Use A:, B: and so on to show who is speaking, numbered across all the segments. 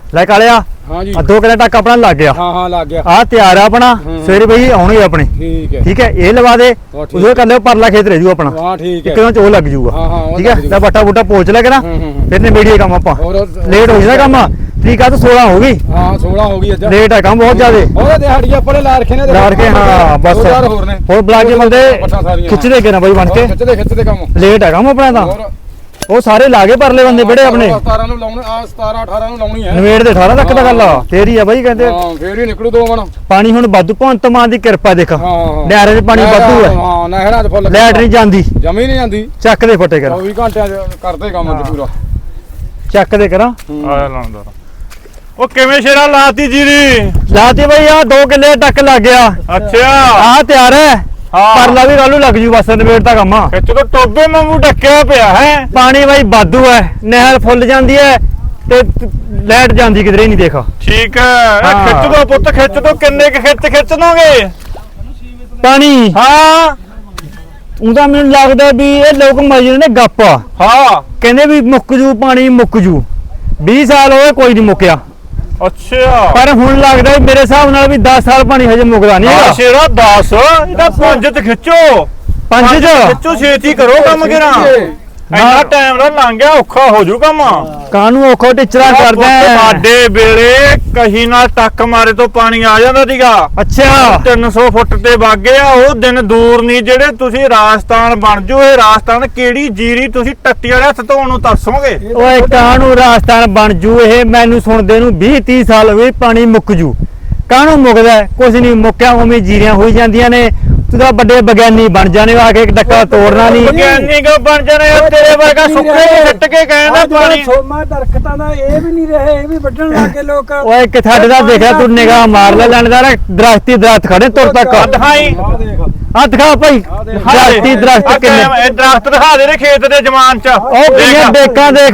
A: ਲੈ ਕਾਲਿਆ
B: हाँ जी
A: 2 ਕਿੱਲੇ ਤੱਕ ਆਪਣਾ ਲੱਗ ਗਿਆ।
B: हाँ लग गया
A: ਆ ਤਿਆਰ ਆ ਆਪਣਾ ਸਵੇਰੇ ਬਈ ਆਉਣਗੇ ਆਪਣੇ।
B: ठीक है
A: ਠੀਕ ਹੈ ਇਹ ਲਵਾ ਦੇ ਉਹਦੇ ਕਰ ਲਿਓ ਪਰਲਾ ਖੇਤ ਰਹਿ ਜੂ ਆਪਣਾ
B: हाँ ठीक है
A: ਕਿਉਂ ਚੋ ਲੱਗ ਜੂਗਾ।
B: हाँ
A: ਠੀਕ ਹੈ ਲੈ ਬੱਟਾ ਬੂਟਾ ਪੋਚ ਲੈ ਕੇ ਨਾ ਫਿਰ ਨੇ ਮੀਡੀਆ ਕੰਮ ਆਪਾਂ ਲੇਟ ਹੋ ਜਾਂਦਾ ਕੰਮ। ਠੀਕ ਆ ਤਾਂ 16 ਹੋ ਗਈ
B: हाँ 16 हो गई अज
A: ਲੇਟ ਹੈ ਕੰਮ ਬਹੁਤ ਜ਼ਿਆਦੇ
B: और दिहाड़ी अपने ला रखे ने
A: ਲਾ ਕੇ ਹਾਂ ਬਸ ਹੋਰ ਬੁਲਾ ਕੇ ਬੰਦੇ ਖਿੱਚਦੇ ਕੇ ਨਾ ਬਈ ਬਣ ਕੇ
B: खिचते काम
A: ਲੇਟ ਹੈ ਕੰਮ ਆਪਣਾ ਤਾਂ
B: और
A: ਉਹ ਸਾਰੇ ਲਾ ਕੇ ਪਰਲੇ ਬੰਦੇ ਬੜੇ ਆਪਣੇ
B: 17 ਨੂੰ ਲਾਉਣੇ ਆ 17 18 ਨੂੰ ਲਾਉਣੀ ਹੈ
A: ਨਵੇੜ ਦੇ 18 ਤੱਕ ਦਾ ਗੱਲ ਆ ਤੇਰੀ ਆ ਬਾਈ ਕਹਿੰਦੇ।
B: ਹਾਂ ਫੇਰ ਹੀ ਨਿਕਲੂ 2 ਮਣ
A: ਪਾਣੀ ਹੁਣ ਵਾਧੂ ਭਗਵੰਤ ਮਾਨ ਦੀ ਕਿਰਪਾ ਦੇਖ
B: ਹਾਂ
A: ਡੈਰੇ 'ਚ ਪਾਣੀ ਵਾਧੂ ਹੈ।
B: ਹਾਂ ਨਹਿਰਾਂ 'ਚ ਫੁੱਲ
A: ਲੈਟ ਨਹੀਂ ਜਾਂਦੀ
B: ਜਮੀ ਨਹੀਂ ਜਾਂਦੀ
A: ਚੱਕ ਦੇ ਫੱਟੇ ਕਰ
B: 24 ਘੰਟਿਆਂ 'ਚ ਕਰਦੇ ਕੰਮ ਅੱਜ ਪੂਰਾ
A: ਚੱਕ ਦੇ ਕਰਾਂ
C: ਆਇਆ ਲਾਉਂਦਾ ਉਹ ਕਿਵੇਂ ਸ਼ੇਰਾ ਲਾਤੀ ਜੀਰੀ
A: ਲਾਤੀ ਬਈ ਆ 2 ਕਿੱਲੇ ਤੱਕ ਲੱਗ ਗਿਆ।
C: ਅੱਛਾ
A: ਆ ਤਿਆਰ ਹੈ
C: ਹਾਂ
A: ਪਰਲਾ ਵੀ ਕੱਲੂ ਲੱਗ ਜੂ ਬਸ ਨਵੇੜ ਦਾ ਕੰਮ ਆ।
C: ਖਿੱਚ ਤੋਂ ਟੋਬੇ ਵਾਂਗੂ ਢੱਕਿਆ ਪਿਆ ਹੈ
A: ਪਾਣੀ ਬਾਈ ਵਾਧੂ ਹੈ ਨਹਿਰ ਫੁੱਲ ਜਾਂਦੀ ਹੈ ਤੇ ਲੈਟ ਜਾਂਦੀ ਕਿਧਰੇ ਨਹੀਂ ਦੇਖ।
C: ਠੀਕ ਹੈ
A: ਹਾਂ।
C: ਖਿੱਚ ਦੋ ਪੁੱਤ ਖਿੱਚ ਦੋ ਕਿੰਨੇ ਕੁ ਖਿੱਚ ਦੋਗੇ
A: ਪਾਣੀ
C: ਹਾਂ
A: ਉਹਦਾ ਮੈਨੂੰ ਲੱਗਦਾ ਵੀ ਇਹ ਲੋਕ ਮਜੇ ਨੇ ਗੱਪ
C: ਹਾਂ
A: ਕਹਿੰਦੇ ਵੀ ਮੁੱਕ ਜੂ ਪਾਣੀ ਮੁੱਕ ਜੂ 20 ਸਾਲ ਹੋਏ ਕੋਈ ਨਹੀਂ ਮੁੱਕਿਆ
C: ਅੱਛਾ
A: ਪਰ ਹੁਣ ਲੱਗਦਾ ਵੀ ਮੇਰੇ ਹਿਸਾਬ ਨਾਲ ਵੀ 10 ਸਾਲ ਪਾਣੀ ਹਜੇ ਮੁੱਕਦਾ ਨਹੀਂ ਹੈਗਾ।
C: ਸ਼ੇਰਾ 10 ਇਹਦਾ 5 ਤੇ ਖਿੱਚੋ
A: 5 ਚ
C: ਖਿੱਚੋ ਛੇਤੀ ਕਰੋ ਕੰਮ ਕਿਰਾ ਇੰਨਾ ਟਾਈਮ ਦਾ ਲੰਘ ਗਿਆ ਔਖਾ ਹੋ ਜੂ ਕੰਮ
A: ਕਾਨੂੰ ਔਖੋ ਟਿਚਰਾ ਕਰਦਾ ਹੈ।
C: ਸਾਡੇ ਵੇਲੇ ਕਹੀ ਨਾਲ ਟੱਕ ਮਾਰੇ ਤੋਂ ਪਾਣੀ ਆ ਜਾਂਦਾ ਸੀਗਾ।
A: ਅੱਛਾ
C: 300 ਫੁੱਟ ਤੇ ਵਗ ਗਿਆ ਉਹ ਦਿਨ ਦੂਰ ਨਹੀਂ ਜਿਹੜੇ ਤੁਸੀਂ ਰਾਜਸਥਾਨ ਬਣ ਜੂ। ਇਹ ਰਾਜਸਥਾਨ ਕਿਹੜੀ ਜੀਰੀ ਤੁਸੀਂ ਟੱਟੀ ਵਾਲੇ ਹੱਥ ਧੋਣ ਨੂੰ ਤਰਸੋਗੇ।
A: ਓਏ ਕਾਨੂੰ ਰਾਜਸਥਾਨ ਬਣ ਜੂ ਇਹ ਮੈਨੂੰ ਸੁਣਦੇ ਨੂੰ 20-30 ਸਾਲ ਹੋਏ ਪਾਣੀ ਮੁੱਕ ਜੂ। ਕਾਨੂੰ ਮੁੱਕਦਾ ਕੁਝ ਨਹੀਂ ਮੁੱਕਿਆ ਉਵੇਂ ਜੀਰੀਆਂ ਹੋਈ ਜਾਂਦੀਆਂ ਨੇ। ਤੂੰ ਤਾਂ ਵੱਡੇ ਵਿਗਿਆਨੀ ਬਣ ਜਾਣੇ ਆ ਕੇ ਡੱਕਾ ਤੋੜਨਾ ਨਹੀਂ।
C: ਵਿਗਿਆਨੀ ਕੋ ਬਣ ਜਾਣੇ ਤੇਰੇ ਵਰਗਾ ਸੁੱਕੇ ਸਿੱਟ ਕੇ ਕਹਿੰਦਾ ਪਾਣੀ
D: ਸੋਮਾ ਦਰਖਤਾਂ ਦਾ ਇਹ ਵੀ ਨਹੀਂ ਰਹੇ ਇਹ ਵੀ ਵੱਢਣ ਲੱਗੇ ਲੋਕ।
A: ਓਏ ਕਿ ਸਾਡੇ ਦਾ ਦੇਖਿਆ ਤੂੰ ਨਿਗਾਹ ਮਾਰ ਲੈ ਲੈਣਦਾਰ ਦਰਖਤੀ ਦਰਖਤ ਖੜੇ ਤੁਰ ਤੱਕ
C: ਦਿਖਾਈ
A: ਆ ਦਿਖਾ ਭਾਈ ਦਰਖਤੀ ਦਰਖਤ ਕਿੰਨੇ
C: ਇਹ ਦਰਖਤ ਦਿਖਾ ਦੇ ਖੇਤ ਦੇ ਜਮਾਨ ਚ
A: ਉਹ ਕਿੰਨੇ ਡੇਕਾਂ ਦੇਖ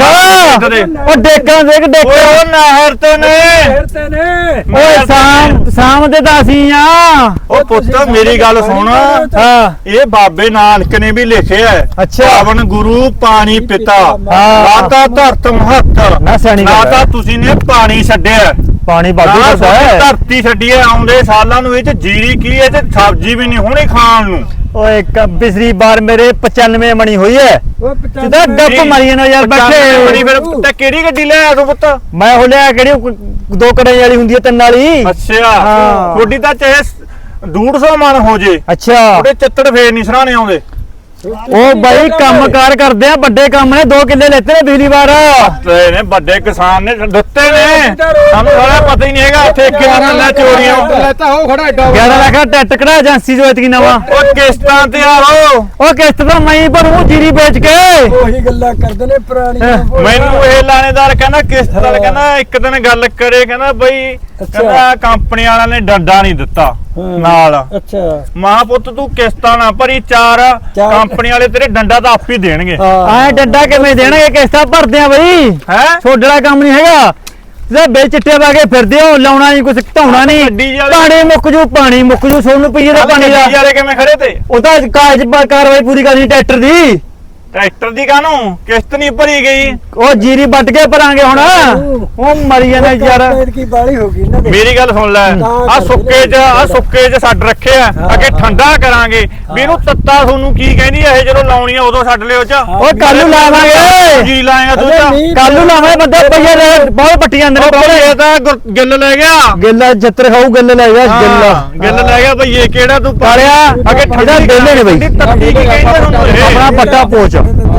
A: ਉਹ ਡੇਕਾਂ ਦੇਖ ਡੇਕਾਂ
C: ਉਹ ਨਹਿਰ ਤੇ ਨੇ
D: ਫਿਰਤੇ ਨੇ
A: ਓਏ ਸ਼ਾਮ ਦੇ ਤਾਂ ਅਸੀਂ ਆ।
C: ਉਹ ਪੁੱਤ ਮੇਰੀ ਗੱਲ ਸੁਣ
A: ਹਾਂ
C: ਇਹ ਬਾਬੇ ਨਾਨਕ ਨੇ ਵੀ ਲਿਖਿਆ ਹੈ
A: ਅੱਛਾ
C: ਪਾਵਨ ਗੁਰੂ ਪਾਣੀ ਪਿਤਾ
A: ਹਾਂ।
C: ਨਾ ਤਾਂ ਧਰਤ ਮਹੱਤਰ
A: ਨਾ ਸਿਆਣੀ
C: ਨਾ
A: ਗੱਲ ਹੈ।
C: ਤਾਂ ਤੁਸੀਂ ਨੇ ਪਾਣੀ ਛੱਡਿਆ
A: ਪਾਣੀ ਵਾਧੂ
C: ਨਾ
A: ਕਰਦਾ ਹੈ।
C: ਧਰਤੀ ਛੱਡੀ ਹੈ ਆਉਂਦੇ ਸਾਲਾਂ ਨੂੰ ਇਹ ਚ ਜੀਰੀ ਕੀ ਹੈ ਤੇ ਸਬਜ਼ੀ ਵੀ ਨਹੀਂ ਹੋਣੀ ਖਾਣ ਨੂੰ।
A: ਓਏ ਪਿਛਲੀ ਵਾਰ ਮੇਰੇ 95 ਮਣੀ ਹੋਈ ਹੈ
D: ਉਹ
A: ਸਿੱਧਾ ਡੱਪ ਮਾਰੀ ਨਾ ਯਾਰ
C: ਬੜੀ
A: ਬੈਠੇ।
C: ਫਿਰ ਤੇ ਕਿਹੜੀ ਗੱਡੀ ਲੈ ਆਇਆ ਤੂੰ ਪੁੱਤ?
A: ਮੈਂ ਉਹ ਲਿਆ ਕਿਹੜੀ 2 ਕੜਾਈ ਵਾਲੀ ਹੁੰਦੀ ਹੈ 3 ਵਾਲੀ।
C: ਅੱਛਾ
A: ਹਾਂ।
C: ਥੋੜੀ ਤਾਂ ਚਾਹੇ 150 ਮਣ ਹੋ ਜੇ
A: ਅੱਛਾ
C: ਉਹਦੇ ਚੱਤੜ ਫੇਰ ਨਹੀਂ ਸਰਾਣੇ ਆਉਂਦੇ।
A: ਉਹ ਬਾਈ ਕੰਮਕਾਰ ਕਰਦੇ ਆ ਵੱਡੇ ਕੰਮ ਨੇ 2 ਕਿੱਲੇ ਲੈਤੇ ਨੇ ਪਿਛਲੀ ਵਾਰ।
C: ਤੇ ਨੇ ਵੱਡੇ ਕਿਸਾਨ ਨੇ ਦਿੱਤੇ ਨੇ ਸਾਨੂੰ ਸਾਰਾ ਪਤਾ ਹੀ ਨਹੀਂ ਹੈਗਾ ਠੇਕੇ ਨਾਲ ਲੈ ਚੋਰੀਆਂ
B: ਲੈਤਾ ਹੋ ਖੜਾ ਐਡਾ
A: 11 ਲੱਖ ਦਾ ਟੈਟ ਕਢਾ ਏਜੰਸੀ ਜੋ ਇਤਕੀ ਨਵਾਂ।
C: ਉਹ ਕਿਸ਼ਤਾਂ ਤੇ ਆਓ
A: ਉਹ ਕਿਸ਼ਤ ਤਾਂ ਮੈਂ ਭਰੂ ਜੀਰੀ ਵੇਚ ਕੇ।
D: ਉਹੀ ਗੱਲਾਂ ਕਰਦੇ ਨੇ ਪੁਰਾਣੀਆਂ।
C: ਮੈਨੂੰ ਇਹ ਲਾਣੇਦਾਰ ਕਹਿੰਦਾ ਕਿਸ਼ਤ ਵਾਲਾ ਕਹਿੰਦਾ ਇੱਕ ਦਿਨ ਗੱਲ ਕਰੇ ਕਹਿੰਦਾ ਬਈ ਕਹਿੰਦਾ ਕੰਪਨੀ ਵਾਲਿਆਂ ਨੇ ਡੰਡਾ ਨਹੀਂ ਦਿੱਤਾ ਨਾਲ।
D: ਅੱਛਾ
C: ਮਾਂ ਪੁੱਤ ਤੂੰ ਕਿਸ਼ਤਾਂ ਨਾ ਭਰੀ 4 ਕੰਪਨੀ ਵਾਲੇ ਤੇਰੇ ਡੰਡਾ ਤਾਂ ਆਪ ਹੀ ਦੇਣਗੇ।
A: ਐ ਡੰਡਾ ਕਿਵੇਂ ਦੇਣਗੇ ਕਿਸ਼ਤਾਂ ਭਰਦੇ ਆ ਬਈ
C: ਹੈ
A: ਛੋਡੜਾ ਕੰਮ ਨਹੀਂ ਹੈਗਾ। ਤੇ ਬੇ ਚਿੱਟੇ ਪਾ ਕੇ ਫਿਰਦੇ ਹੋ ਲਾਉਣਾ ਨਹੀਂ ਕੁਝ ਧਾਉਣਾ ਨਹੀਂ ਪਾਣੀ ਮੁੱਕ ਜੂ ਸੋਨੂੰ ਪਈਏ ਦਾ ਪਾਣੀ ਦਾ।
C: ਵਾਲੇ ਕਿਵੇਂ ਖੜੇ ਤੇ
A: ਉਹ ਤਾਂ ਕਾਗਜ਼ ਕਾਰਵਾਈ ਪੂਰੀ ਕਰਨੀ ਟਰੈਕਟਰ ਦੀ।
C: ਟਰੈਕਟਰ ਦੀ ਕਾਹਨੂੰ ਕਿਸ਼ਤ ਨਹੀਂ ਭਰੀ ਗਈ।
A: ਉਹ ਜੀਰੀ ਵੱਟ ਕੇ ਭਰਾਂਗੇ ਹੁਣ ਉਹ ਮਰੀ ਜਾਣਾ ਯਾਰ।
D: ਕੀ ਬਾਲੀ ਹੋ ਗਈ ਨਾ
C: ਮੇਰੀ ਗੱਲ ਸੁਣ ਲੈ ਆ ਸੁੱਕੇ ਚ ਛੱਡ ਰੱਖਿਆ ਅੱਗੇ ਠੰਡਾ ਕਰਾਂਗੇ ਵੀ ਇਹਨੂੰ ਤੱਤਾ ਤੁਹਾਨੂੰ ਕੀ ਕਹਿੰਦੀ ਇਹ ਜਦੋਂ ਲਾਉਣੀ ਆ ਉਦੋਂ ਛੱਡ ਲਿਓ ਚ।
A: ਉਹ ਕੱਲ ਨੂੰ ਲਾਵਾਂਗੇ
C: ਜੀ ਲਾਏਗਾ ਤੂੰ ਚ
A: ਕੱਲ ਨੂੰ ਲਾਵਾਂਗੇ ਬੰਦੇ ਪਈਏ ਬਹੁਤ ਪੱਟੀ ਜਾਂਦੇ ਨੇ
C: ਇਹ ਤਾਂ ਗਿੱਲ ਲੈ ਗਿਆ
A: ਗਿੱਲਾ ਜੱਤਰ ਖਾਊ ਗਿੱਲ ਲੈ ਗਿਆ
C: ਗਿੱਲ ਲੈ ਗਿਆ ਬਈ ਇਹ ਕਿਹੜਾ ਤੂੰ
A: ਪਾਲਿਆ
C: ਅੱਗੇ ਠੰਡਾ
A: ਗਿੱਲੇ ਨੇ ਬਈ
C: ਤੱਤੀ ਕੀ ਕਹਿੰਦੇ ਤੁਹਾਨੂੰ ਇਹ?
A: ਆਪਣਾ ਪੱਟਾ ਪੋਚ।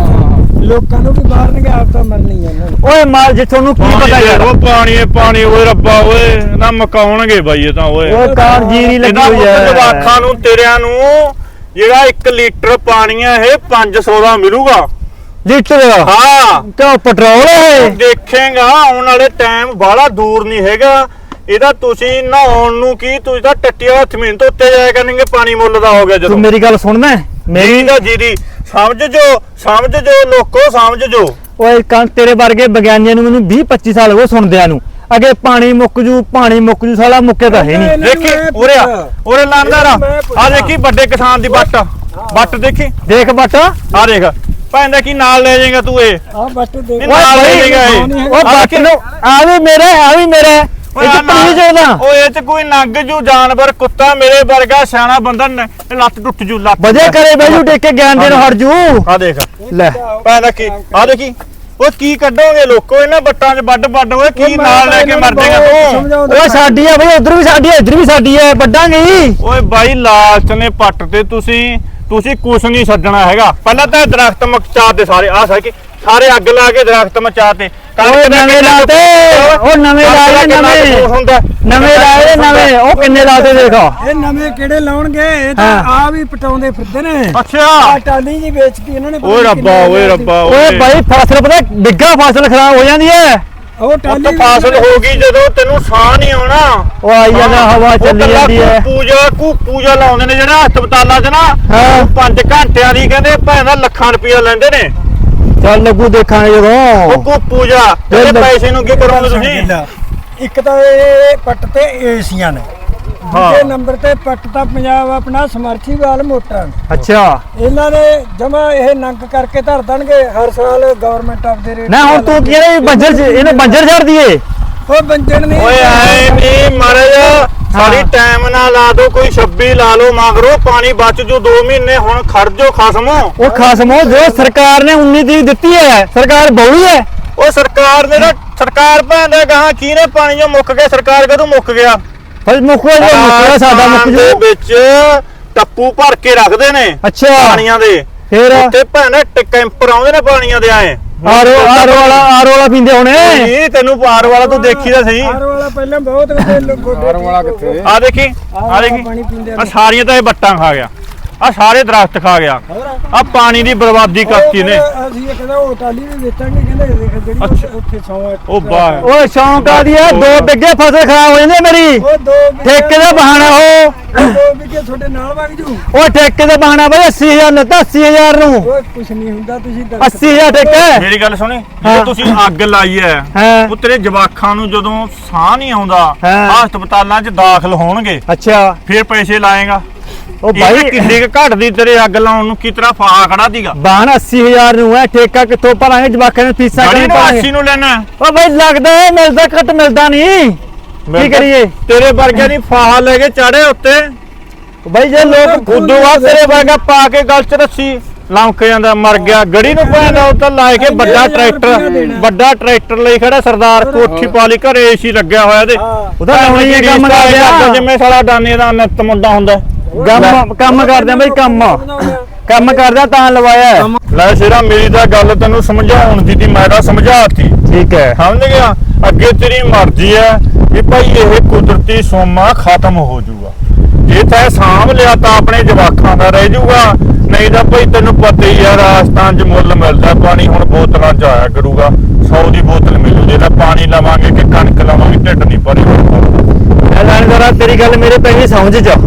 D: ਲੋਕਾਂ ਨੂੰ ਵੀ ਮਾਰਨਗੇ ਆਪ ਤਾਂ ਮਰਨੀ ਆ ਇਹਨਾਂ ਨੂੰ।
A: ਓਏ ਮਾਲ ਜੇ ਤੁਹਾਨੂੰ ਕੀ ਪਤਾ ਯਾਰ।
C: ਉਹ ਪਾਣੀ ਓਏ ਰੱਬਾ ਓਏ ਨਾ ਮਕਾਉਣਗੇ ਬਾਈ ਇਹ ਤਾਂ ਓਏ
A: ਓਏ ਕਾਰ ਜੀਰੀ ਲੱਗੀ ਹੋਈ
C: ਇਹਦਾ
A: ਹੈ
C: ਜਵਾਖਾਂ ਨੂੰ ਤੇਰਿਆਂ ਨੂੰ ਜਿਹੜਾ 1 ਲੀਟਰ ਪਾਣੀ ਆ ਇਹ 500 ਦਾ ਮਿਲੂਗਾ
A: ਲੀਟਰ।
C: ਹਾਂ
A: ਤੇ ਪੈਟਰੋਲ ਹੈ
C: ਦੇਖੇਗਾ ਆਉਣ ਵਾਲੇ ਟਾਈਮ ਬਾਹਲਾ ਦੂਰ ਨਹੀਂ ਹੈਗਾ। ਇਹਦਾ ਤੁਸੀਂ ਨਹਾਉਣ ਨੂੰ ਕੀ ਤੁਸੀਂ ਤਾਂ ਟੱਟੀਆਂ ਹੱਥ ਮੀਨ ਤੋਂ ਉੱਤੇ ਜਾਇਆ ਕਰਨਗੇ ਪਾਣੀ ਮੁੱਲ ਦਾ ਹੋ ਗਿਆ ਜਦੋਂ।
A: ਤੂੰ ਮੇਰੀ ਗੱਲ ਸੁਣਦਾ
C: ਮੇਰੀ ਤਾਂ ਜੀਰੀ ਸਮਝ ਜੋ ਲੋਕੋ ਸਮਝ ਜੋ।
A: ਓਏ ਕੰਨ ਤੇਰੇ ਵਰਗੇ ਵਿਗਿਆਨੀਆਂ ਨੂੰ ਮੈਨੂੰ 20-25 ਸਾਲ ਹੋ ਗਏ ਸੁਣਦਿਆਂ ਨੂੰ। ਅੱਗੇ ਪਾਣੀ ਮੁੱਕ ਜੂ ਸਾਲਾ ਮੁੱਕੇ ਤਾਂ ਹੈ ਨਹੀਂ।
C: ਦੇਖੀ ਉਰੇ ਲਾਂਦਾਰਾ ਆ ਦੇਖੀ ਵੱਡੇ ਕਿਸਾਨ ਦੀ ਵੱਟ ਦੇਖੀ
A: ਦੇਖ ਬੱਟ
C: ਆ ਦੇਖ ਭੈਣ ਕੀ ਨਾਲ ਲੈ ਜਾਏਗਾ ਤੂੰ ਇਹ
D: ਆ ਬੱਟ ਦੇ
C: ਇਹ ਨਾਲ ਲੈ ਜਾਏਗਾ ਇਹ
A: ਉਹ ਬੱਟ ਨੂੰ ਆ ਵੀ ਮੇਰਾ ਇਹ ਚ ਪਲੀਜ਼ ਉਹਦਾ
C: ਉਹ ਇਹ ਚ ਕੋਈ ਨੰਗ ਜੂ ਜਾਨਵਰ ਕੁੱਤਾ ਮੇਰੇ ਵਰਗਾ ਸਿਆਣਾ ਬੰਦਾ ਲੱਤ ਟੁੱਟ ਜੂ ਲੱਤ
A: ਵਜੇ ਕਰੇ ਬੈਜੂ ਟੇਕ ਕੇ ਗਿਆਨ ਦੇਣ ਹਟ ਜੂ
C: ਆ ਦੇਖ
A: ਲੈ
C: ਭੈਣ ਕੀ ਆ ਦੇਖੀ ਉਹ ਕੀ ਕੱਢੋਗੇ ਲੋਕੋ ਇਹਨਾਂ ਬੱਟਾਂ 'ਚ ਵੱਡ ਓਏ ਕੀ ਨਾਲ ਲੈ ਕੇ ਮਰ ਜਾਏਗਾ ਤੂੰ
A: ਓਏ ਸਾਡੀ ਆ ਬਈ ਉਧਰ ਵੀ ਸਾਡੀ ਆ ਇੱਧਰ ਵੀ ਸਾਡੀ ਆ ਵੱਡਾਂਗੇ ਹੀ
C: ਓਏ ਬਾਈ ਲਾਲਚ ਨੇ ਪੱਟ ਤੇ ਤੁਸੀਂ ਕੁਛ ਨਹੀਂ ਛੱਡਣਾ ਹੈਗਾ ਪਹਿਲਾਂ ਤਾਂ ਦਰਖਤ ਮਚਾ ਦੇ ਸਾਰੇ ਅੱਗ ਲਾ ਕੇ ਦਰਖਤ ਮਚਾ ਤੇ
A: ਓਏ ਨਵੇਂ ਲਾਤੇ ਉਹ ਨਵੇਂ ਲਾਏ ਨਵੇਂ ਉਹ ਕਿੰਨੇ ਲਾਤੇ ਦੇਖੋ
D: ਇਹ ਨਵੇਂ ਕਿਹੜੇ ਲਾਉਣਗੇ ਇਹ ਤਾਂ ਆ ਵੀ ਪਟਾਉਂਦੇ ਫਿਰਦੇ ਨੇ
C: ਅੱਛਾ
D: ਆ ਟਾਲੀ ਜੀ ਵੇਚਤੀ ਇਹਨਾਂ ਨੇ
C: ਓਏ ਰੱਬਾ
A: ਓਏ ਬਾਈ ਫਸਲ ਪਤਾ ਡਿੱਗਾ ਫਸਲ ਖਰਾਬ ਹੋ ਜਾਂਦੀ ਹੈ
D: ਉਹ
C: ਉਹ
D: ਟਾਲੀ
C: ਤਾਂ ਫਸਲ ਹੋ ਗਈ ਜਦੋਂ ਤੈਨੂੰ ਸਾਹ ਨਹੀਂ ਆਉਣਾ
A: ਉਹ ਆਈ ਜਾਂਦਾ ਹਵਾ ਚੱਲੀ ਜਾਂਦੀ ਹੈ
C: ਪੂਜਾ ਲਾਉਂਦੇ ਨੇ ਜਿਹੜਾ ਹਸਪਤਾਲਾਂ 'ਚ ਨਾ
A: ਹਾਂ।
C: 5 ਘੰਟਿਆਂ ਦੀ ਕਹਿੰਦੇ ਭੈਣ ਦਾ ਲੱਖਾਂ ਰੁਪਇਆ ਲੈਂਦੇ ਨੇ
A: ਚੱਲ ਲੱਗੂ ਦੇਖਾਂਗੇ ਜਦੋਂ
C: ਉਹ ਪੂਜਾ ਤੇ ਪੈਸੇ ਨੂੰ ਕੀ ਕਰੋਗੇ ਤੁਸੀਂ
D: ਇੱਕ ਤਾਂ ਇਹ ਪੱਟ ਤੇ ਏਸੀਆਂ ਨੇ ਦੂਜੇ ਨੰਬਰ ਤੇ ਪੱਟ ਤਾਂ ਪੰਜਾਬ ਆਪਣਾ ਸਮਰਥੀਵਾਲ ਮੋਟਰਾਂ ਨੇ।
A: ਅੱਛਾ
D: ਇਹਨਾਂ ਨੇ ਜਮਾ ਇਹ ਨੰਗ ਕਰਕੇ ਧਰ ਦੇਣਗੇ ਹਰ ਸਾਲ ਗਵਰਨਮੈਂਟ ਆਫ ਦੇ ਰੇਟ
A: ਨਾ ਹੁਣ ਤੂੰ ਕਹਿੰਦਾ ਬੰਜਰ ਇਹਨੂੰ ਬੰਜਰ ਛੱਡ ਦਈਏ
D: ਉਹ ਬੰਜਣ ਨਹੀਂ
C: ਓਏ ਆਏ ਨਹੀਂ ਮਹਾਰਾਜ ਸਾਡੀ ਟਾਈਮ ਨਾ ਲਾ ਦੋ ਕੋਈ 26 ਲਾ ਲਓ ਮਗਰੋਂ ਪਾਣੀ ਬਚ ਜੂ 2 ਮਹੀਨੇ ਹੁਣ ਖਰਜੋ ਖਸਮੋ
A: ਉਹ ਖਸਮੋ ਜੋ ਸਰਕਾਰ ਨੇ 19 ਤਰੀਕ ਦਿੱਤੀ ਹੈ ਸਰਕਾਰ ਬਹੁੀ ਹੈ
C: ਉਹ ਸਰਕਾਰ ਨੇ ਨਾ ਸਰਕਾਰ ਭਾਂਦਾ ਗਾਹਾਂ ਕੀ ਨੇ ਪਾਣੀ ਜੋ ਮੁੱਕ ਗਿਆ ਸਰਕਾਰ ਕਦੋਂ ਮੁੱਕ ਗਿਆ
A: ਫਿਰ ਮੁੱਕੋ ਜੋ ਮੁੱਕਦਾ ਸਾਡਾ ਮੁੱਕ
C: ਦੇ
A: ਜੂ
C: ਵਿੱਚ ਟੱਪੂ ਭਰ ਕੇ ਰੱਖਦੇ ਨੇ
A: ਅੱਛਾ
C: ਪਾਣੀਆਂ ਦੇ
A: ਫਿਰ
C: ਉੱਤੇ ਭੈਣ ਕੈਂਪਰ ਆਉਂਦੇ ਨੇ ਪਾਣੀਆਂ ਦੇ ਆਏ
A: ਆਰੋ ਵਾਲਾ ਪੀਂਦੇ ਹੋਣੇ
C: ਨਹੀਂ ਤੈਨੂੰ ਪਾਰ ਵਾਲਾ ਤੂੰ ਦੇਖੀ ਤਾਂ ਸਹੀ
D: ਹਾਰ ਵਾਲਾ ਪਹਿਲਾਂ ਬਹੁਤ ਗੋਡੇ
B: ਹਾਰ ਵਾਲਾ ਕਿੱਥੇ
C: ਆ ਦੇਖੀ
D: ਪਾਣੀ ਪੀਂਦੇ
C: ਆ ਸਾਰੀਆਂ ਤਾਂ ਇਹ ਬੱਟਾਂ ਖਾ ਗਿਆ ਆ ਸਾਰੇ ਦਰਖਤ ਖਾ ਗਿਆ ਆ ਪਾਣੀ ਦੀ ਬਰਬਾਦੀ ਕਰਤੀ ਨੇ
D: ਅਸੀਂ ਇਹ ਕਹਿੰਦਾ ਉਹ ਟਾਲੀ ਵੀ ਵੇਚਾਂਗੇ ਕਹਿੰਦੇ ਦੇਖ ਜਿਹੜੀ ਉੱਥੇ ਸੌਂ
C: ਉਹ ਬਾਹ
A: ਓਏ ਸ਼ੌਂਕ ਆ ਦੀ ਹੈ 2 ਬਿੱਗੇ ਫਸਲ ਖਰਾਬ ਹੋ ਜਾਂਦੀ ਮੇਰੀ
D: ਉਹ 2
A: ਠੇਕੇ ਦਾ ਬਹਾਨਾ ਉਹ
D: 2 ਵਿਕੇ ਤੁਹਾਡੇ ਨਾਲ ਵਗ ਜੂ
A: ਉਹ ਠੇਕੇ ਦਾ ਬਹਾਨਾ ਬਈ 80000 ਲੱਤਾ 80000 ਨੂੰ
D: ਓਏ ਕੁਛ ਨਹੀਂ ਹੁੰਦਾ ਤੁਸੀਂ
A: 80000 ਠੇਕਾ
C: ਮੇਰੀ ਗੱਲ ਸੁਣੀ
A: ਹਾਂ।
C: ਜੇ ਤੁਸੀਂ ਅੱਗ ਲਾਈ ਐ
A: ਹਾਂ
C: ਉਹ ਤੇਰੇ ਜਵਾਖਾਂ ਨੂੰ ਜਦੋਂ ਸਾਹ ਨਹੀਂ ਆਉਂਦਾ
A: ਹਾਂ।
C: ਹਸਪਤਾਲਾਂ 'ਚ ਦਾਖਲ ਹੋਣਗੇ
A: ਅੱਛਾ
C: ਫਿਰ ਪੈਸੇ ਲਾਏਗਾ
A: ਉਹ
C: ਬਾਈ
A: ਬਾਈ
C: ਕਿੰਨੇ ਕ ਘਟਦੀ ਤੇਰੇ ਅੱਗ ਲਾਉਣ ਨੂੰ ਕੀ ਤਰ੍ਹਾਂ ਫਾਹਾ ਖੜਾ ਦੀਗਾ
A: ਬਾਹਨ 80000 ਨੂੰ ਹੈ ਠੇਕਾ ਕਿੱਥੋਂ ਭਰਾਂਗੇ ਜਵਾਕਾਂ ਨੂੰ ਫੀਸਾਂ
C: ਗਾੜੀ
A: ਕਿਵੇਂ
C: ਨੂੰ
A: ਭਰਾਂਗੇ
C: 80 ਨੂੰ ਲੈਣਾ
A: ਉਹ ਬਾਈ ਲੱਗਦਾ ਹੈ ਮਿਲਦਾ ਘੱਟ ਮਿਲਦਾ ਨਹੀਂ ਕੀ ਕਰੀਏ
C: ਤੇਰੇ ਵਰਗੇ ਦੀ ਫਾਹਾ ਲੈ ਕੇ ਚਾੜੇ ਉੱਤੇ
A: ਬਾਈ ਜੇ ਲੋਕ
C: ਉਦੋਂ ਬਾਅਦ ਤੇਰੇ ਵਰਗਾ ਪਾ ਕੇ ਗਲ 'ਚ ਰੱਸੀ ਲੰਕ ਜਾਂਦਾ ਮਰ ਗਿਆ ਗੜੀ ਨੂੰ ਪੈਂਦਾ ਉਹ ਤਾਂ ਲਾਏ ਕੇ ਵੱਡਾ ਟਰੈਕਟਰ ਲਈ ਖੜਾ ਸਰਦਾਰ ਕੋਠੀ ਪਾ ਲਈ ਘਰੇ ਏਸੀ ਲੱਗਿਆ ਹੋਇਆ ਤੇ
A: ਉਹਦਾ ਲਾਉਣੀ ਹੈ ਕੰਮ ਕਰਦਿਆ
C: ਜਿਵੇਂ ਸਾਲਾ ਡਾਨੇ ਦਾ ਨਿੱਤ ਮੁੰਡਾ ਹੁੰਦਾ
A: ਕੰਮ ਕਰਦੇ ਆ ਬਾਈ ਕੰਮ ਕਰਦਾ ਤਾਂ ਲਵਾਇਆ ਹੈ।
C: ਲੈ ਸ਼ੇਰਾ ਮੇਰੀ ਤਾਂ ਗੱਲ ਤੈਨੂੰ ਸਮਝਾਉਣ ਦੀ ਮੈਂ ਤਾਂ ਸਮਝਾਤੀ
A: ਠੀਕ ਹੈ
C: ਸਮਝ ਗਿਆ ਅੱਗੇ ਤੇਰੀ ਮਰਜ਼ੀ ਹੈ ਕਿ ਭਾਈ ਇਹ ਕੁਦਰਤੀ ਸੋਮਾ ਖਤਮ ਹੋ ਜਾਊਗਾ ਜੇ ਤੈਂ ਸਾਂਭ ਲਿਆ ਤਾਂ ਆਪਣੇ ਜਵਾਕਾਂ ਦਾ ਰਹਿ ਜਾਊਗਾ ਨਹੀਂ ਤਾਂ ਭਾਈ ਤੈਨੂੰ ਪਤਾ ਹੀ ਆ ਰਾਜਸਥਾਨ 'ਚ ਮੁੱਲ ਮਿਲਦਾ ਪਾਣੀ ਹੁਣ ਬੋਤਲਾਂ 'ਚ ਆਇਆ ਕਰੂਗਾ 100 ਦੀ ਬੋਤਲ ਮਿਲੂ ਜੇ ਤਾਂ ਪਾਣੀ ਲਵਾਂਗੇ ਕਿ ਕਣਕ ਲਵਾਂਗੇ ਢਿੱਡ ਨਹੀਂ ਭਰੇਗਾ
A: ਲਾਣੇਦਾਰਾ ਤੇਰੀ ਗੱਲ ਮੇਰੇ ਪੈ ਗਈ ਸਮਝ ਚ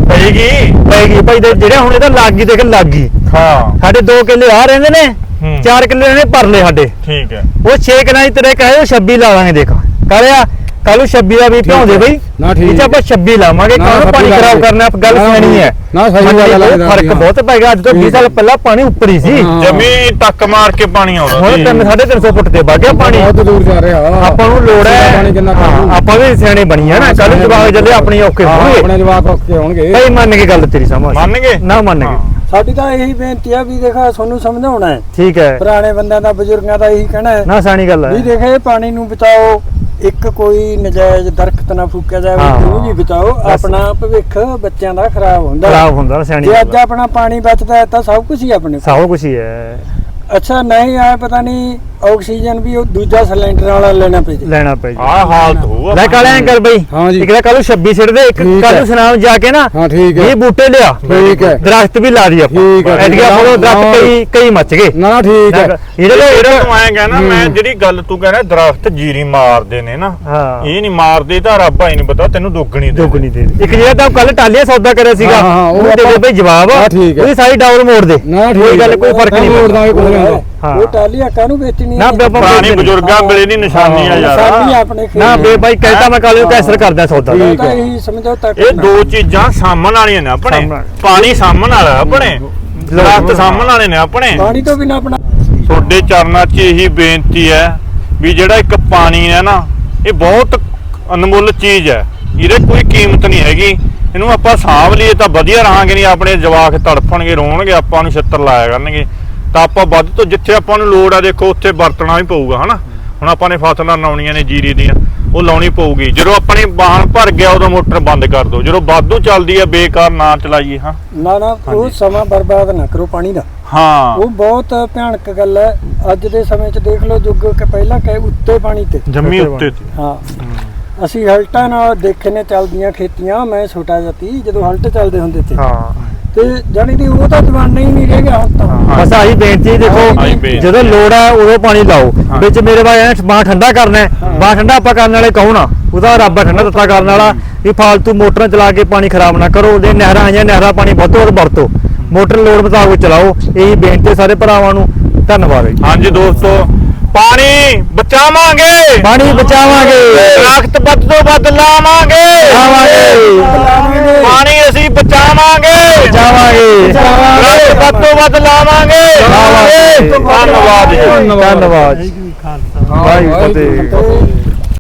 A: ਪੈਗੀ ਭਾਈ ਜਿਹੜੇ ਹੁਣ ਇਹਦਾ ਲੱਗ ਗਈ ਦੇਖ ਲੱਗ ਗਈ
C: ਹਾਂ
A: ਸਾਡੇ 2 ਕਿੱਲੇ ਆ ਰਹਿੰਦੇ ਨੇ 4 ਕਿੱਲੇ ਨੇ ਭਰਲੇ ਸਾਡੇ
C: ਠੀਕ ਹੈ
A: ਉਹ 6 ਕਿੱਲੇ ਦੀ ਤੇਰੇ ਕਹੇ ਉਹ 26 ਲਾ ਲਾਂਗੇ ਦੇਖ ਕਰਿਆ ਕੱਲ 26 ਦਾ ਵੀ ਭਿਉਂਦੇ ਬਈ
B: ਨਾ ਠੀਕ
A: ਇਹ ਆਪਾਂ 26 ਲਾਵਾਂਗੇ ਕਾਹਨੂੰ ਪਾਣੀ ਖਰਾਬ ਕਰਨਾ ਗੱਲ ਸਿਆਣੀ ਹੈ
B: ਨਾ ਸਹੀ ਗੱਲ ਹੈ
A: ਫਰਕ ਬਹੁਤ ਪੈ ਗਿਆ ਅੱਜ ਤੋਂ 20 ਸਾਲ ਪਹਿਲਾਂ ਪਾਣੀ ਉੱਪਰ ਹੀ ਸੀ
C: ਜ਼ਮੀਨ ਟੱਕ ਮਾਰ ਕੇ ਪਾਣੀ ਆਉਂਦਾ
A: ਹੁਣ 350 ਫੁੱਟ ਤੇ ਵਗ ਗਿਆ ਪਾਣੀ
B: ਬਹੁਤ ਦੂਰ ਜਾ ਰਿਹਾ
A: ਆਪਾਂ ਨੂੰ ਲੋੜ ਹੈ
B: ਪਾਣੀ ਕਿੰਨਾ
A: ਆਪਾਂ ਵੀ ਸਿਆਣੇ ਬਣੀ ਆ ਨਾ ਕੱਲ ਜਵਾਕ ਜੱਲੇ ਆਪਣੀ ਔਖੇ ਹੋਣਗੇ
B: ਆਪਣੇ ਜਵਾਕ ਔਖੇ ਹੋਣਗੇ
A: ਭਾਈ ਮੰਨ ਕੇ ਗੱਲ ਤੇਰੀ ਸਮਝ
C: ਮੰਨ ਗਏ
A: ਨਾ ਮੰਨ ਗਏ
D: ਸਾਡੀ ਤਾਂ ਇਹੀ ਬੇਨਤੀ ਆ ਵੀ ਦੇਖਾ ਤੁਹਾਨੂੰ ਸਮਝਾਉਣਾ ਹੈ
A: ਠੀਕ ਹੈ
D: ਪੁਰਾਣੇ ਬੰਦਿਆਂ ਦਾ ਬਜ਼ੁਰਗਾਂ ਦਾ ਇਹੀ ਕਹਿਣਾ ਹੈ
A: ਨਾ ਸਿਆਣੀ ਗੱਲ
D: ਵੀ
A: ਹੈ
D: ਦੇਖੇ ਪਾਣੀ ਨੂੰ ਬਚਾਓ ਇੱਕ ਕੋਈ ਨਜਾਇਜ਼ ਦਰਖਤ ਨਾ ਫੂਕਿਆ ਜਾਵੇ
A: ਹਾਂ।
D: ਉਹਨੂੰ ਵੀ ਬਚਾਓ ਆਪਣਾ ਭਵਿੱਖ ਬੱਚਿਆਂ ਦਾ ਖਰਾਬ ਹੁੰਦਾ
A: ਖਰਾਬ ਹੁੰਦਾ ਸਿਆਣੀ
D: ਜੇ ਅੱਜ
A: ਗੱਲ ਹੈ।
D: ਆਪਣਾ ਪਾਣੀ ਬਚਦਾ ਹੈ ਤਾਂ ਸਭ ਕੁਝ ਹੀ ਆਪਣੇ ਕੋਲ।
A: ਸਭ ਕੁਛ ਹੀ ਹੈ
D: ਅੱਛਾ ਨਹੀਂ ਆਇਆ ਪਤਾ ਨਹੀਂ ਆਕਸੀਜਨ ਵੀ ਉਹ ਦੂਜਾ ਸਿਲੰਡਰ ਵਾਲਾ ਲੈਣਾ ਪਏ
A: ਲੈਣਾ ਪੈ ਜੀ
C: ਆਹ ਹਾਲਤ ਹੋਊ
A: ਲੈ ਕਾਲੇ ਐਂ ਕਰ ਬਈ
B: ਹਾਂ ਜੀ।
A: ਇੱਕ ਤਾਂ ਕੱਲ 26 ਛੱਡ ਦੇ ਇੱਕ
B: ਠੀਕ
A: ਕੱਲ
B: ਹੈ।
A: ਨੂੰ ਸੁਨਾਮ ਜਾ ਕੇ ਨਾ
B: ਹਾਂ ਠੀਕ ਹੈ
A: ਇਹ ਬੂਟੇ ਲਿਆ
B: ਠੀਕ ਹੈ
A: ਦਰਖਤ ਵੀ ਲਾ ਦੀ ਆਪਾਂ
B: ਠੀਕ ਹੈ।
A: ਐਤਕਿਆਂ ਕੋਲੋਂ ਦਰਖਤ ਕਈ ਮੱਚ ਗਏ
B: ਨਾ ਠੀਕ ਹੈ
C: ਜਿਹੜਾ ਤੂੰ ਐਂ ਕਹਿਣਾ ਮੈਂ ਜਿਹੜੀ ਗੱਲ ਤੂੰ ਕਹਿਣਾ ਦਰਖਤ ਜੀਰੀ ਮਾਰਦੇ ਨੇ ਨਾ
A: ਹਾਂ
C: ਇਹ ਨਹੀਂ ਮਾਰਦੇ ਤਾਂ ਰੱਬ ਹੀ ਨਹੀਂ ਪਤਾ ਤੈਨੂੰ ਦੁੱਗਣੀ ਦੇ
A: ਦੁੱਗਣੀ ਦੇ ਇੱਕ ਜਿਹੜਾ ਤਾਂ ਕੱਲ ਟਾਲੀਆ ਸੌਦਾ ਕਰਿਆ ਸੀਗਾ
B: ਹਾਂ, ਹਾਂ, ਉਹ
A: ਉਹ ਦੇ ਦੇ ਬਈ ਜਵਾਬ
B: ਹਾਂ, ਠੀਕ ਹੈ।
A: ਉਹਦੀ ਸਾਰੀ ਡਾਊਨ ਮੋੜ ਦੇ
B: ਨਾ ਠੀਕ
A: ਕੋਈ ਗੱਲ ਕੋਈ ਫਰਕ ਨਹੀਂ
B: ਮੋੜ ਦਾਂਗੇ ਕੁਝ ਨਹੀਂ ਹੁੰਦਾ
A: ਹਾਂ।
D: ਉਹ ਟਾਲੀ ਆਕਾ ਨੂੰ ਵੇਚਣੀ
A: ਨਾ ਬੇ ਆਪਾਂ
C: ਪੁਰਾਣੀ
A: ਵੇਚਦੇ
C: ਬਜ਼ੁਰਗਾਂ ਵੇਲੇ ਦੀ ਨਿਸ਼ਾਨੀ ਆ ਯਾਰ
D: ਸਾਡੀ ਆਪਣੇ ਖੇਤ
A: ਨਾ ਬੇ ਬਾਈ ਕਹਿਤਾ ਮੈਂ ਕੱਲ ਨੂੰ ਕੈਸਰ ਕਰਦਾ ਸੌਦਾ
B: ਠੀਕ
D: ਤਾਂ
B: ਹੈ।
D: ਇਹੀ ਸਮਝੋ ਤੱਕ
C: ਇਹ ਦੋ ਚੀਜ਼ਾਂ ਸਾਹਮਣ ਵਾਲੀਆਂ ਨੇ ਆਪਣੇ
A: ਸਾਂਭਣ।
C: ਪਾਣੀ ਸਾਹਮਣ ਵਾਲਾ ਆਪਣੇ ਦਰਖਤ ਸਾਹਮਣ ਵਾਲੇ ਨੇ ਆਪਣੇ
D: ਪਾਣੀ ਤੋਂ ਬਿਨਾ ਆਪਣਾ
C: ਤੁਹਾਡੇ ਚਰਨਾਂ 'ਚ ਇਹੀ ਬੇਨਤੀ ਹੈ ਵੀ ਜਿਹੜਾ ਇੱਕ ਪਾਣੀ ਹੈ ਨਾ, ਇਹ ਬਹੁਤ ਅਨਮੁੱਲ ਚੀਜ਼ ਹੈ, ਇਹਦੇ ਕੋਈ ਕੀਮਤ ਨਹੀਂ ਹੈਗੀ। ਇਹਨੂੰ ਆਪਾਂ ਸਾਂਭ ਲਈਏ ਤਾਂ ਵਧੀਆ ਰਹਾਂਗੇ, ਨਹੀਂ ਆਪਣੇ ਜਵਾਕ ਤੜਫਣਗੇ, ਰੋਣਗੇ, ਆਪਾਂ ਨੂੰ ਛਿੱਤਰ ਲਾਇਆ ਕਰਨਗੇ। ਤਾਂ ਆਪਾਂ ਵੱਧ ਤੋਂ ਜਿੱਥੇ ਆਪਾਂ ਨੂੰ ਲੋੜ ਆ ਦੇਖੋ ਉੱਥੇ ਵਰਤਣਾ ਵੀ ਪਊਗਾ ਹਨਾ। ਹੁਣ ਆਪਾਂ ਨੇ ਫਸਲਾਂ ਲਾਉਣੀਆਂ ਨੇ ਜੀਰੀ ਦੀਆਂ, ਉਹ ਲਾਉਣੀ ਪਊਗੀ। ਜਦੋਂ ਆਪਣੀ ਬਾਹਣ ਭਰ ਗਿਆ ਉਦੋਂ ਮੋਟਰ ਬੰਦ ਕਰ ਦਿਓ। ਜਦੋਂ ਵਾਧੂ ਚੱਲਦੀ ਹੈ ਬੇਕਾਰ ਨਾ ਚਲਾਈਏ। ਹਾਂ
D: ਨਾ ਉਹ ਸਮਾਂ ਬਰਬਾਦ ਨਾ ਕਰੋ ਪਾਣੀ ਦਾ।
C: ਹਾਂ
D: ਉਹ ਬਹੁਤ ਭਿਆਨਕ ਗੱਲ ਹੈ। ਅੱਜ ਦੇ ਸਮੇਂ 'ਚ ਦੇਖ ਲਓ, ਜੁੱਗ ਕਿ ਪਹਿਲਾਂ ਕਹੇ ਉੱਤੇ ਪਾਣੀ ਤੇ
C: ਜੰਮੀ ਉੱਤੇ ਸੀ।
D: ਹਾਂ ਅਸੀਂ ਹਲਟਾਂ ਨਾਲ ਦੇਖੇ ਨੇ ਚੱਲਦੀਆਂ ਖੇਤੀਆਂ। ਮੈਂ ਛੋਟਾ ਜਿਹਾ ਸੀ ਜਦੋਂ ਹਲਟ ਚੱਲਦੇ ਹੁੰਦੇ ਤੇ,
A: ਹਾਂ
D: ਤੇ ਜਾਣੀ ਦੀ ਉਹ ਤਾਂ ਜ਼ਮਾਨਾ ਹੀ ਨਹੀਂ ਰਹਿ ਗਿਆ ਹੁਣ ਤਾਂ।
A: ਬਸ ਆਹੀ ਬੇਨਤੀ ਦੇਖੋ,
C: ਆਹੀ ਬੇਨਤੀ
A: ਜਦੋਂ ਲੋੜ ਹੈ ਉਦੋਂ ਪਾਣੀ ਲਾਓ। ਵਿੱਚ ਮੇਰੇ ਬਾਈ ਬਾਹ ਠੰਡਾ ਕਰਨਾ ਹੈ, ਬਾਹ ਠੰਡਾ ਆਪਾਂ ਕਰਨ ਵਾਲੇ ਕਹੋ ਨਾ, ਉਹਦਾ ਰੱਬ ਆ ਠੰਡਾ ਦਿੱਤਾ ਕਰਨ ਵਾਲਾ। ਵੀ ਫਾਲਤੂ ਮੋਟਰਾਂ ਚਲਾ ਕੇ ਪਾਣੀ ਖਰਾਬ ਨਾ ਕਰੋ। ਜੇ ਨਹਿਰਾਂ ਆਈਆਂ, ਨਹਿਰਾਂ ਪਾਣੀ ਵੱਧ ਤੋਂ ਵੱਧ ਵਰਤੋ, ਮੋਟਰ ਲੋੜ ਮੁਤਾਬਕ ਚਲਾਓ। ਇਹੀ ਬੇਨਤੀ ਸਾਰੇ ਭਰਾਵਾਂ ਨੂੰ। ਧੰਨਵਾਦ ਜੀ।
C: ਹਾਂਜੀ ਦੋਸਤੋ, ਪਾਣੀ ਬਚਾਵਾਂਗੇ,
A: ਪਾਣੀ ਬਚਾਵਾਂਗੇ,
C: ਦਰਖਤ ਵੱਧ ਤੋਂ ਵੱਧ ਲਾਵਾਂਗੇ, ਪਾਣੀ ਅਸੀਂ ਬਚਾਵਾਂਗੇ, ਦਰਖਤ ਵੱਧ ਤੋਂ ਵੱਧ ਲਾਵਾਂਗੇ। ਧੰਨਵਾਦ ਜੀ।
A: ਧੰਨਵਾਦ ਜੀ। ਵਾਹਿਗੁਰੂ ਜੀ ਕਾ ਖਾਲਸਾ, ਵਾਹਿਗੁਰੂ ਜੀ ਕੀ ਫਤਿਹ।